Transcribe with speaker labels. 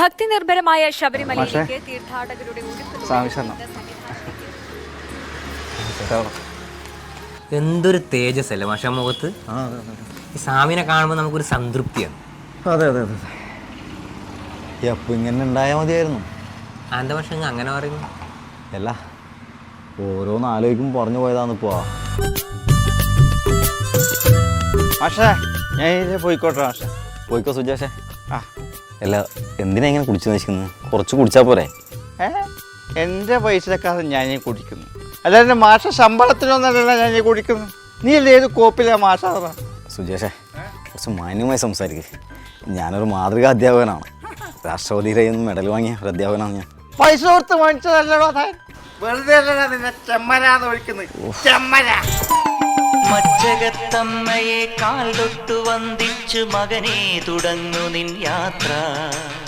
Speaker 1: ഭക്തി നിർഭരമായ ശബരിമലയിലേക്ക് തീർത്ഥാടകരുടെ
Speaker 2: എന്തൊരു തേജസ് അല്ലേ മാഷ മുഖത്ത്. ഈ സ്വാമിനെ കാണുമ്പോൾ നമുക്കൊരു സംതൃപ്തിയാണ്.
Speaker 3: അതെ അതെ അതെ എപ്പോൾ ഇങ്ങനെ ഉണ്ടായാൽ മതിയായിരുന്നു.
Speaker 2: എന്താ പക്ഷെ അങ്ങനെ പറയുന്നു?
Speaker 3: അല്ല ഓരോന്ന് ആലോചിക്കുമ്പോൾ പറഞ്ഞു പോയതാന്ന് പോവാ.
Speaker 4: മാഷേ ഞാൻ പോയിക്കോട്ടെ മാഷേ.
Speaker 3: പോയിക്കോ സുജാഷേ.
Speaker 4: ആ
Speaker 3: അല്ല എന്തിനാ ഇങ്ങനെ കുടിച്ചു നശിക്കുന്നത്? കുറച്ച് കുടിച്ചാൽ പോരെ?
Speaker 4: എൻ്റെ പൈസക്കാരൻ ഞാൻ കുടിക്കുന്നു, അല്ലാതെ മാഷ ശമ്പളത്തിനൊന്നല്ല ഞാൻ കുടിക്കുന്നു. നീ അല്ലേ ഏത് കോപ്പിലാ മാഷ?
Speaker 3: സുജാഷേ കുറച്ച് മാന്യമായി സംസാരിക്കുക. ഞാനൊരു മാതൃകാ അധ്യാപകനാണ്. രാഷ്ട്രപതിയുടെ കയ്യിൽ നിന്ന് മെഡൽ വാങ്ങിയ ഒരു അധ്യാപകനാണ് ഞാൻ.
Speaker 4: പൈസ കൊടുത്ത് വാങ്ങിച്ചതല്ലടോ താൻ. വെറുതെ അല്ലടാ നിന്നെ ചെമ്മരാന്ന് വിളിക്കുന്നത്. ചെമ്മര
Speaker 5: മച്ചകത്തമ്മയെ കാൽ തൊട്ടു വന്ദിച്ചു മകനെ തുടങ്ങു നിൻ യാത്ര.